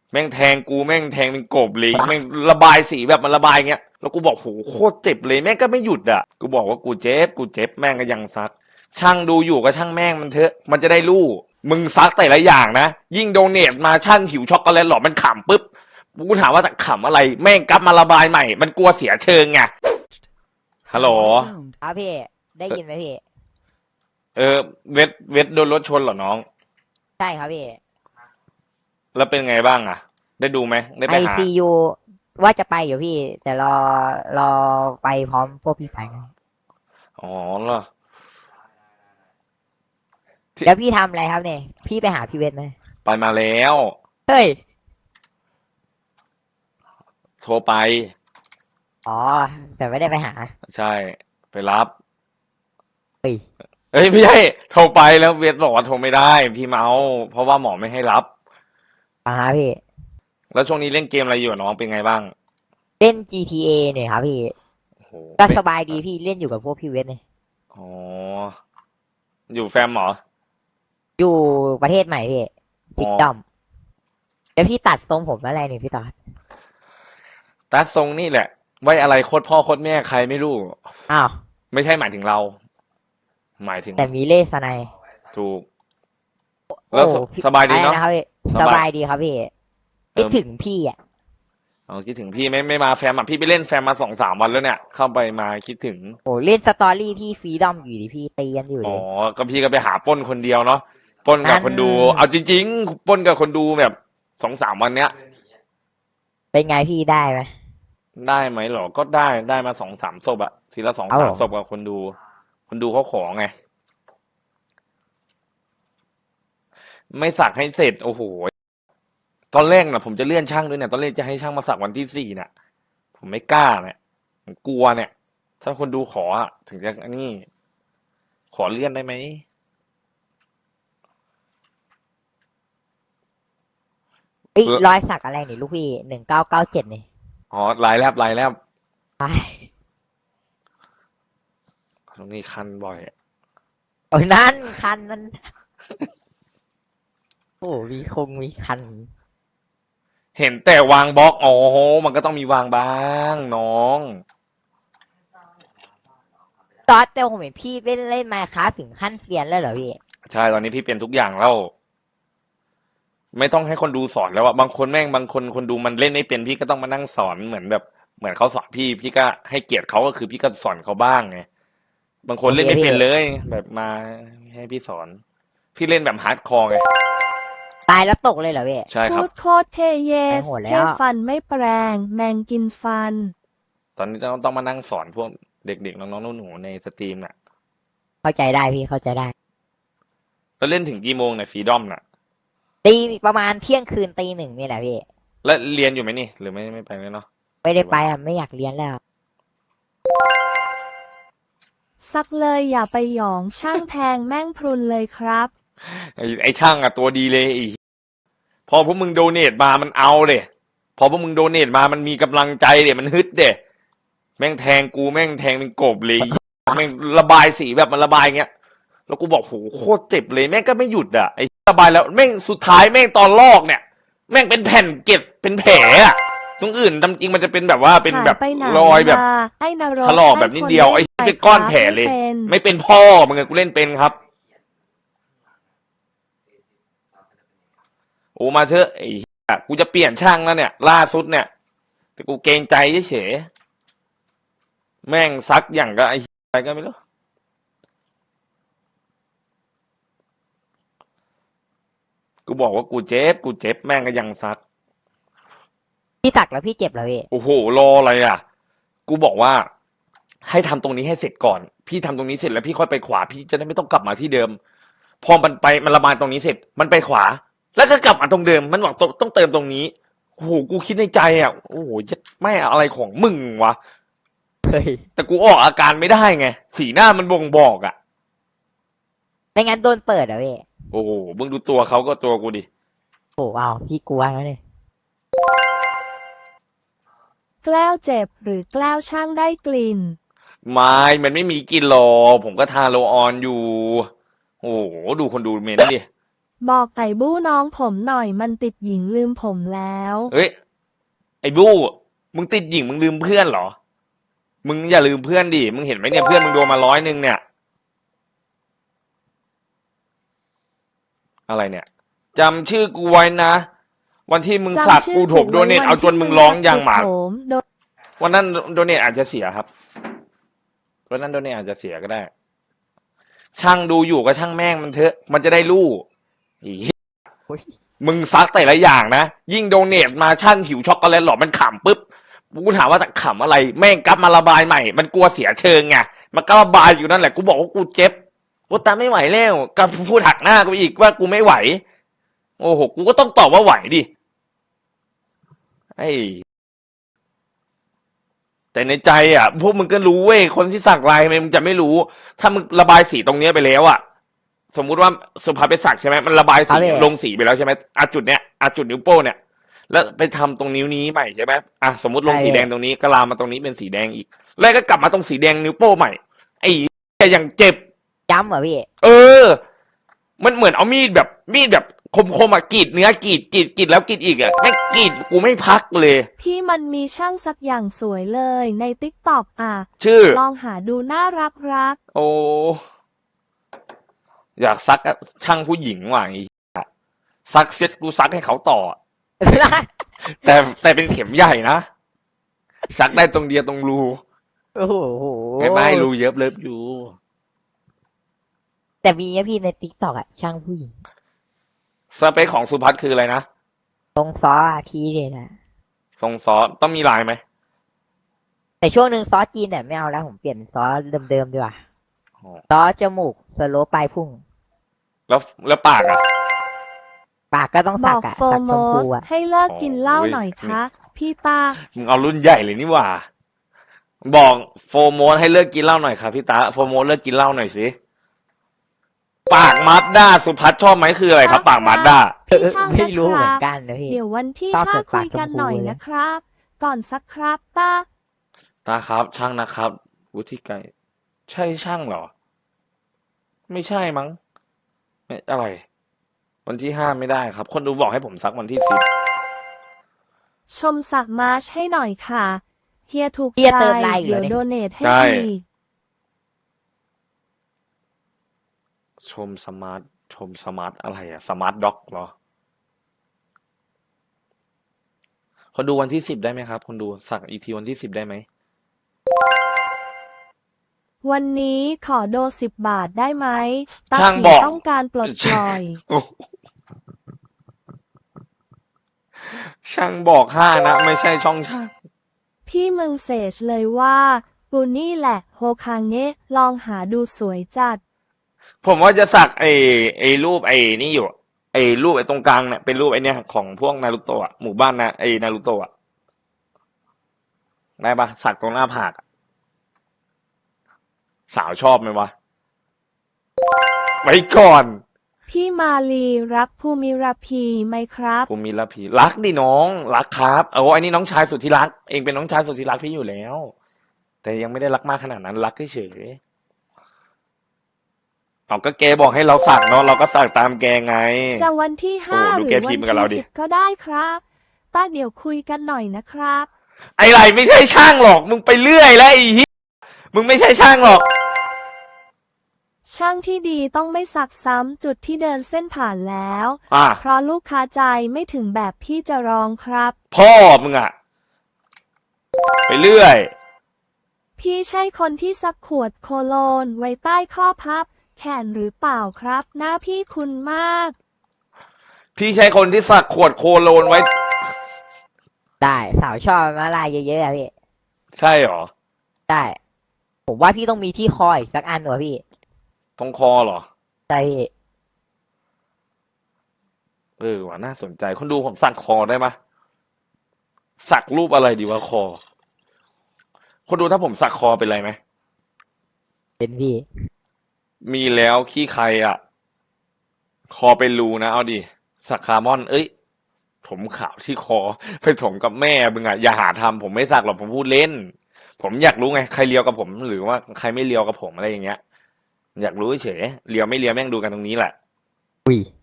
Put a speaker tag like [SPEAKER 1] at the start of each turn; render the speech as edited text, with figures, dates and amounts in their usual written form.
[SPEAKER 1] แม่งแทงกูแม่งแทงเป็นกบเลยแม่งระบายสีแบบมันระบายเงี้ยแล้วกูบอกโหโคตรเจ็บเลยแม่งก็ไม่หยุดอ่ะกูบอกว่ากูเจ็บแม่งก็ยังซักช่างดูอยู่ก็ช่างแม่งมันเถอะมันจะได้รู้มึงซักแต่ละอย่างนะยิ่งโดเนทมาช่างหิวช็อกโกแลตหรอมันขำปุ๊บกูถามว่าขำอะไรแม่งกลับมาระบายใหม่มันกลัวเสียเชิงไงฮัลโหล
[SPEAKER 2] ครับพี่ได้ยินไหมพี่
[SPEAKER 1] เวทโดนรถชนเหรอน้อง
[SPEAKER 2] ใช่ครับพี่
[SPEAKER 1] แล้วเป็นไงบ้างอ่ะได้ดูไหมได้
[SPEAKER 2] ไอ
[SPEAKER 1] ไปหา
[SPEAKER 2] ซียูว่าจะไปอยู่พี่แต่รอไปพร้อมพวกพี่ไปกัน
[SPEAKER 1] อ๋อเหรอที่
[SPEAKER 2] เดี๋ยวพี่ทำอะไรครับเนี่ยพี่ไปหาพี่เวทไหม
[SPEAKER 1] ไปมาแล้ว
[SPEAKER 2] เฮ้ย
[SPEAKER 1] โทรไป
[SPEAKER 2] อ๋อแต่ไม่ได้ไปหา
[SPEAKER 1] ใช่ไปรับ
[SPEAKER 2] เฮ้ย
[SPEAKER 1] เอ้ยไม่ใช่โทรไปแล้วเวทบอกว่าโทรไม่ได้พี่เมาเพราะว่าหมอไม่ให้รับ
[SPEAKER 2] มาหาพี่
[SPEAKER 1] แล้วช่วงนี้เล่นเกมอะไรอยู่อะน้องเป็นไงบ้าง
[SPEAKER 2] เล่น GTA เนี่ยครับพี่
[SPEAKER 1] โอ้โห
[SPEAKER 2] ก็
[SPEAKER 1] เป็น
[SPEAKER 2] สบายดีพี่เล่นอยู่กับพวกพี่เวทเนี่ย
[SPEAKER 1] อ๋ออยู่แฟมเหรอ
[SPEAKER 2] อยู่ประเทศใหม่พี่
[SPEAKER 1] อ๋อ
[SPEAKER 2] ฟิกดอมเดี๋ยวพี่ตัดทรงผมอะไรเนี่ยพี่ต่อ
[SPEAKER 1] ตัดทรงนี่แหละไว้อะไรโคตรพ่อโคตรแม่ใครไม่รู้
[SPEAKER 2] อ้าว
[SPEAKER 1] ไม่ใช่หมายถึงเราหมายถึง
[SPEAKER 2] แต่มีเล่สไนป์
[SPEAKER 1] ถูก
[SPEAKER 2] โอ้
[SPEAKER 1] แล้ว
[SPEAKER 2] พี่
[SPEAKER 1] สบายดี
[SPEAKER 2] อะไร
[SPEAKER 1] เนาะ
[SPEAKER 2] นะครับพี่ส
[SPEAKER 1] สบาย
[SPEAKER 2] บายดีครับพี่
[SPEAKER 1] เออ
[SPEAKER 2] คิดถึงพี่อ่ะ
[SPEAKER 1] อ๋อคิดถึงพี่ไม่มาแฟมอ่ะพี่ไปเล่นแฟมมา2-3 วันแล้วเนี่ยเข้าไปมาคิดถึง
[SPEAKER 2] โอ้เล่นสตอรี่ที่ฟรีดอมอยู่ดิพี่ตีกันอยู่
[SPEAKER 1] อ๋อ
[SPEAKER 2] เลย
[SPEAKER 1] ก็พี่ก็ไปหาปล้นคนเดียวเนาะปล้นกับ
[SPEAKER 2] นั่น
[SPEAKER 1] คนดูเอาจริงๆปล้นกับคนดูแบบ2-3 วันเนี้ย
[SPEAKER 2] เป็นไงพี่ได้ไหม
[SPEAKER 1] ได้ไหมหรอก็ได้มา2-3 ศพอะทีละสอง
[SPEAKER 2] เอา
[SPEAKER 1] สามศพกับคนดูคนดูเขาขอไงไม่สักให้เสร็จโอ้โหตอนแรกนะผมจะเลื่อนช่างด้วยเนี่ยตอนแรกจะให้ช่างมาสักวันที่4เนี่ยผมไม่กล้าเนี่ยผมกลัวเนี่ยถ้าคนดูขออะถึงจะนี่ขอเลื่อนได้ไหม
[SPEAKER 2] เอ้ยรอยสักอะไรนี่ลูกพี่1997นี่
[SPEAKER 1] อ๋อลายแลบ
[SPEAKER 2] ไป
[SPEAKER 1] ตรงนี้คันบ่อย
[SPEAKER 2] โอ้ยนั่นคันนั้นโอ้มีคัน
[SPEAKER 1] เห็นแต่วางบล็อกอ๋อมันก็ต้องมีวางบ้างน้อง
[SPEAKER 2] ตอนแต่ผมเห็นพี่เล่นไมค์คราฟถึงขั้นเซียนแล้วเหรอพี่
[SPEAKER 1] ใช่ตอนนี้พี่เป็นทุกอย่างแล้วไม่ต้องให้คนดูสอนแล้วอะบางคนแม่งบางคนคนดูมันเล่นไม่เป็นพี่ก็ต้องมานั่งสอนเหมือนแบบเหมือนเขาสอนพี่ก็ให้เกียรติเขาก็คือพี่ก็สอนเขาบ้างไงบางคน
[SPEAKER 2] โอเค
[SPEAKER 1] เล่นไม่
[SPEAKER 2] พี่
[SPEAKER 1] เป็นเลยแบบมาให้พี่สอนพี่เล่นแบบฮาร์ดคอร์ไง
[SPEAKER 2] ตายแล้วตกเลยเหรอพี่
[SPEAKER 1] ใช่ครับ
[SPEAKER 3] พูดโคตรเทเย
[SPEAKER 2] ไป
[SPEAKER 3] ส
[SPEAKER 2] โหดแล้
[SPEAKER 3] แค่
[SPEAKER 2] ว
[SPEAKER 3] ฟันไม่แปลงแมงกินฟัน
[SPEAKER 1] ตอนนี้ต้องมานั่งสอนพวกเด็กๆน้องๆหนูๆในสตรีมน่ะ
[SPEAKER 2] เข้าใจได้พี่เข้าใจได้
[SPEAKER 1] แล้วเล่นถึงกี่โมงเนี่ยฟรีดอมน่ะ
[SPEAKER 2] ตีประมาณเที่ยงคืนตีหนึ่งนี่แหละพี่
[SPEAKER 1] แล้วเรียนอยู่ไหมนี่หรือไม่ไปเลยเนาะ
[SPEAKER 2] ไม่ได้ไปอ่ะไม่อยากเรียนแล้ว
[SPEAKER 3] ซักเลยอย่าไปหยองช่างแทงแม่งพรุนเลยครับ
[SPEAKER 1] ไอ้ช่างอะตัวดีเลยพอพวกมึงโดเนทมามันเอาเดยพอพวกมึงโดเนทมามันมีกำลังใจเดยมันฮึดเดยแม่งแทงกูแม่งแทงเป็นกบเลยแม่งระบายสีแบบมันระบายเงี้ยแล้วกูบอกโหโคตรเจ็บเลยแม่งก็ไม่หยุดอ่ะไอ้ระบายแล้วแม่งสุดท้ายแม่งตอนลอกเนี่ยแม่งเป็นแผ่นเกล็ดเป็นแผลอะตรงอื่นตามจริงมันจะเป็นแบบว่าเป็นแบบ
[SPEAKER 3] หายไปไหน
[SPEAKER 1] รอยแบบ
[SPEAKER 3] มาไอ้นรก
[SPEAKER 1] ถลอกแบบนิดเดียวไอ้
[SPEAKER 3] ให้คน
[SPEAKER 1] เป็นก้อนแผลเลย
[SPEAKER 3] ไม่เป็น
[SPEAKER 1] ไม่เป็นพ่อมึงไงกูเล่นเป็นครับโอ้มาเถอะไอ้เหี้ยกูจะเปลี่ยนช่างแล้วเนี่ยล่าสุดเนี่ยแต่กูเกรงใจเฉยๆแม่งซักอย่างก็ไอ้เหี้ยอะไรก็ไม่รู้กูบอกว่ากูเจ็บแม่งก็ยังซัก
[SPEAKER 2] พี่สักแล้วพี่เจ็บเหรอพี่
[SPEAKER 1] โอ้โหรออะไรอ่ะกูบอกว่าให้ทำตรงนี้ให้เสร็จก่อนพี่ทำตรงนี้เสร็จแล้วพี่ค่อยไปขวาพี่จะได้ไม่ต้องกลับมาที่เดิมพอมันไปมันระบายตรงนี้เสร็จมันไปขวาแล้วก็กลับมาตรงเดิมมันบอกต้องเติมตรงนี้โอ้โหกูคิดในใจอ่ะโอ้โหไม่อะไรของมึงวะ
[SPEAKER 2] เฮ้ย
[SPEAKER 1] แต่กูออกอาการไม่ได้ไงสีหน้ามันบ่งบอกอ่ะ
[SPEAKER 2] ไม่งั้นโดนเปิดเหรอพี่
[SPEAKER 1] โอ้โหมึงดูตัวเขาก็ตัวกูดิ
[SPEAKER 2] โอ้เอาพี่กลัวแล้วเนี่ย
[SPEAKER 3] แกล้วเจ็บหรือแกล้วช่างได้กลิ่น
[SPEAKER 1] ไม่มันไม่มีกลินหรอกผมก็ทาโรลออนอยู่โอ้โหดูคนดูเมนดิ
[SPEAKER 3] บอกไอ้บู้น้องผมหน่อยมันติดหญิงลืมผมแล้ว
[SPEAKER 1] เฮ้ยไอ้บู้มึงติดหญิงมึงลืมเพื่อนเหรอมึงอย่าลืมเพื่อนดิมึงเห็นไหมเนี่ยเพื่อนมึงโดนมา100เนี่ยอะไรเนี่ยจำชื่อกูไว้นะวันที่มึงสักกูถมโดเนทเอาจนมึงร้องอย่างหมา
[SPEAKER 3] ผมโดน
[SPEAKER 1] วันนั้นโดเนทอาจจะเสียครับวันนั้นโดเนทอาจจะเสียก็ได้ ช่างดูอยู่ก็ช่างแม่งมันเถอะมันจะได้รู้อีมึงซักแต่ละอย่างนะยิ่งโดเนทมาช่างหิวช็อกโกแลตหรอมันขำปุ๊บกูถามว่าขำอะไรแม่งกลับมาระบายใหม่มันกลัวเสียเชิงไงมันก็ระบายอยู่นั่นแหละกูบอกว่ากูเจ็บกูตามไม่ไหวแล้วก็พูดหักหน้ากูอีกว่ากูไม่ไหวโอ้โหกูก็ต้องตอบว่าไหวดิไอ้แต่ในใจอ่ะพวกมึงก็รู้เว้ยคนที่สักลายมึงจะไม่รู้ถ้ามึงระบายสีตรงเนี้ยไปแล้วอ่ะสมมุติว่าสุภาพไปสักใช่ไหมมันระบายสีลงสีไปแล้วใช่ไหมจุดเนี้ยจุดนิ้วโป้งเนี่ยแล้วไปทำตรงนิ้วนี้ใหม่ใช่ไหมสมมติลงสีแดงตรงนี้ก็ลามมาตรงนี้เป็นสีแดงอีกแล้วก็กลับมาตรงสีแดงนิ้วโป้งใหม่ไอ้อย่างเจ็บ
[SPEAKER 2] ย้ำเหรอพี่
[SPEAKER 1] มันเหมือนเอามีดแบบคมๆกรีดเนื้อกรีดแล้วกรีดอีกไม่กรีดกูไม่พักเลย
[SPEAKER 3] พี่มันมีช่างสักอย่างสวยเลยในติ๊กต็อก
[SPEAKER 1] ชื่อ
[SPEAKER 3] ลองหาดูน่ารัก
[SPEAKER 1] โอ้อยากซักช่างผู้หญิงว่ะไอ้ซักเซ็ตกูซักให้เขาต่อ แต่เป็นเข็มใหญ่นะซักได้ตรงเดียวตรงรู
[SPEAKER 2] โอ้โห
[SPEAKER 1] ไม่รูเยอะเลิฟอยู่
[SPEAKER 2] แต่มีนะพี่ในติ๊กต็อกช่างผู้หญิง
[SPEAKER 1] สเปคของสุพัฒน์คืออะไรนะ
[SPEAKER 2] ตรงซอทีเด็ดนะ
[SPEAKER 1] ทรงซอสต้องมีลายไหม
[SPEAKER 2] แต่ช่วงหนึ่งซอสจีนเนี่ยไม่เอาแล้วผมเปลี่ยนเป็นซอสเดิมๆดีกว่าซอสจมูกสโลปลายพุ่ง
[SPEAKER 1] แล้วปากอ่ะ
[SPEAKER 2] ปากก็ต้อง
[SPEAKER 3] บ
[SPEAKER 2] สั
[SPEAKER 3] อก ก
[SPEAKER 2] สั
[SPEAKER 3] โฟ
[SPEAKER 2] กช
[SPEAKER 3] โม
[SPEAKER 2] มพู
[SPEAKER 3] สให้เลิกกินเหล้า
[SPEAKER 1] โอ้ย
[SPEAKER 3] หน่อยคะพี่ตา
[SPEAKER 1] มึงเอารุ่นใหญ่เลยนี่หว่า บอกโฟร์โมสให้เลิกกินเหล้าหน่อยครับพี่ตาโฟร์โมสเลิกกินเหล้าหน่อยสิปากมาสด้าสุพัฒน์ชอบไหมคืออะไรครับปากมาสด้า
[SPEAKER 3] พี่ช่าง
[SPEAKER 2] ไม่
[SPEAKER 3] นะ
[SPEAKER 2] รู้
[SPEAKER 3] ค
[SPEAKER 2] เหมื
[SPEAKER 3] รั
[SPEAKER 2] อบ นกันนะพี่
[SPEAKER 3] เดี๋ยววันที่
[SPEAKER 2] ชอบ
[SPEAKER 3] 5
[SPEAKER 2] เปิด
[SPEAKER 3] คุ
[SPEAKER 2] ปาก
[SPEAKER 3] ยกัน
[SPEAKER 2] ชมพู
[SPEAKER 3] หน่อย
[SPEAKER 2] เลย
[SPEAKER 3] นะครับ ก่อนสักครับตา
[SPEAKER 1] ตาครับช่างนะครับวุฒิไกรใช่ช่างเหรอ ไม่ใช่มั้งไม่อะไร วันที่5ไม่ได้ครับ คนดูบอกให้ผมซักวันที่10
[SPEAKER 3] ชมสักมาร์ชให้หน่อยค่ะเฮียถูก
[SPEAKER 2] เฮีย
[SPEAKER 3] ใจ
[SPEAKER 2] เติมลายอยู่
[SPEAKER 3] เดี๋ยว
[SPEAKER 2] แล้วนี่
[SPEAKER 3] โดเนทให้
[SPEAKER 1] ใช่
[SPEAKER 3] อีก
[SPEAKER 1] ชมสมาร์ทอะไรอะสมาร์ทด็อกเหรอคนดูวันที่10ได้ไหมครับคนดูสักอีกทีวันที่10ได้ไหม
[SPEAKER 3] วันนี้ขอโด10 บาทได้ไหมตา
[SPEAKER 1] ช่าง
[SPEAKER 3] ผี
[SPEAKER 1] บอก
[SPEAKER 3] ต้องการปลดปล่อย
[SPEAKER 1] โอ้โหช่างบอก5นะไม่ใช่ช่องช่าง
[SPEAKER 3] พี่มึงเสจเลยว่ากูนี่แหละโฮคางเนะลองหาดูสวยจัด
[SPEAKER 1] ผมว่าจะสักไอ้รูปไอ้นี่อยู่ไอ้รูปไอ้ตรงกลางเนี่ยเป็นรูปไอ้เนี่ยของพวกนารูโตะหมู่บ้านนะไอ้นารูโตะได้ปะสักตรงหน้าผากอะสาวชอบไหมวะไว้ก่อน
[SPEAKER 3] พี่มาลีรักภูมิราพีไหมครับ
[SPEAKER 1] ผมมีละพีรักดิน้องรักครับโอ้อันนี้น้องชายสุดที่รักเองเป็นน้องชายสุดที่รักพี่อยู่แล้ว แต่ยังไม่ได้รักมากขนาดนั้นรักเฉยๆเอาก็แกบอกให้เราสักเนาะเราก็สักตามแกไง
[SPEAKER 3] จะวันที่
[SPEAKER 1] โอ้
[SPEAKER 3] 5
[SPEAKER 1] ดู
[SPEAKER 3] หรือ
[SPEAKER 1] แก
[SPEAKER 3] วั
[SPEAKER 1] พิ
[SPEAKER 3] น
[SPEAKER 1] มพ์กับเราดิ
[SPEAKER 3] ที่10ก็ได้ครับต้าเดี๋ยวคุยกันหน่อยนะครับ
[SPEAKER 1] ไอ้ไรไม่ใช่ช่างหรอก มึงไปเรื่อยแล้วไอ้เหี้ยมึงไม่ใช่ช่างหรอก
[SPEAKER 3] ช่างที่ดีต้องไม่สักซ้ำจุดที่เดินเส้นผ่านแล้ว
[SPEAKER 1] อ่ะ
[SPEAKER 3] เพราะลูกค้าใจไม่ถึงแบบพี่จะรองครับ
[SPEAKER 1] พ่อมึงอะไปเรื่อย
[SPEAKER 3] พี่ใช่คนที่สักขวดโคโลนไว้ใต้ข้อพับ แขนหรือเปล่าครับ หน้าพี่คุณมาก
[SPEAKER 1] พี่ใช่คนที่สักขวดโคโลนไว้
[SPEAKER 2] ได้สาวชอบมาลายเยอะๆอะพี่
[SPEAKER 1] ใช่หรอ
[SPEAKER 2] ได้ ผมว่าพี่ต้องมีที่คออีกสักอันหน่อยพี่
[SPEAKER 1] ตรงคอเหรอ
[SPEAKER 2] ใช่พี่
[SPEAKER 1] ว่ะน่าสนใจคนดูผมสักคอได้ไหมสักรูปอะไรดีวะคอ คนดูถ้าผมสักคอเป็นไรไหม
[SPEAKER 2] เป็นพี่
[SPEAKER 1] มีแล้วขี้ใครอะคอเป็นรูนะเอาดิสักคาร์มอน เอ้ยผมขาวที่คอ ไปถมกับแม่มึงอะอย่าหาทำผมไม่สักหรอกผมพูดเล่น ผมอยากรู้ไงใครเลียวกับผม หรือว่าใครไม่เลียวกับผมอะไรอย่างเงี้ย อยากรู้เฉยเลียวไม่เลียวแม่งดูกันตรงนี้แหละ
[SPEAKER 2] อุ้ย